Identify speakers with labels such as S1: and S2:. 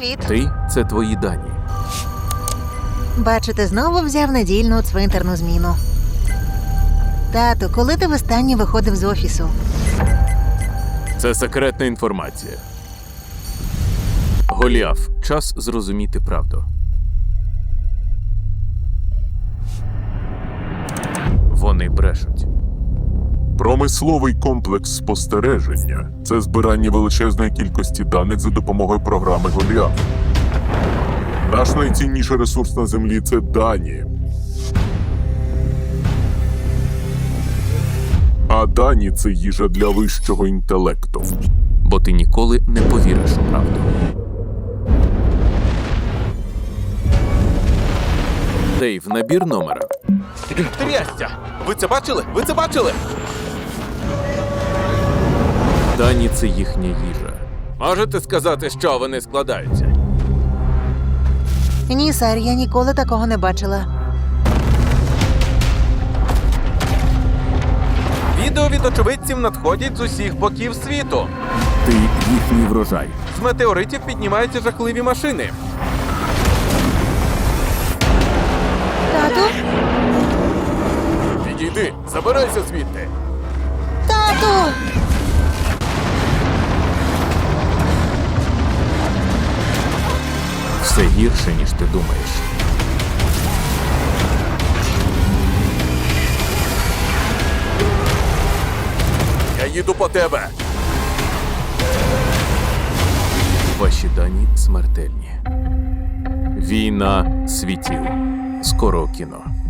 S1: Привіт.
S2: Ти – це твої дані.
S1: Бачу, ти знову взяв недільну цвинтарну зміну. Тату, коли ти востаннє виходив з офісу?
S2: Це секретна інформація. Голіаф, час зрозуміти правду. Вони брешуть.
S3: Промисловий комплекс спостереження – це збирання величезної кількості даних за допомогою програми Голіаф. Наш найцінніший ресурс на Землі – це дані. А дані – це їжа для вищого інтелекту.
S2: Бо ти ніколи не повіриш у правду. Дейв, набір номера.
S4: Трястя! Ви це бачили? Ви це бачили?
S2: Дані – це їхня їжа.
S4: Можете сказати, що вони складаються?
S1: Ні, сер, я ніколи такого не бачила.
S4: Відео від очевидців надходять з усіх боків світу.
S2: Ти їхній врожай.
S4: З метеоритів піднімаються жахливі машини.
S1: Тату?
S4: Підійди, забирайся звідти.
S1: Тату!
S2: Все гірше, ніж ти думаєш.
S4: Я їду по тебе.
S2: Ваші дані смертельні. Війна світів. Скоро у кіно.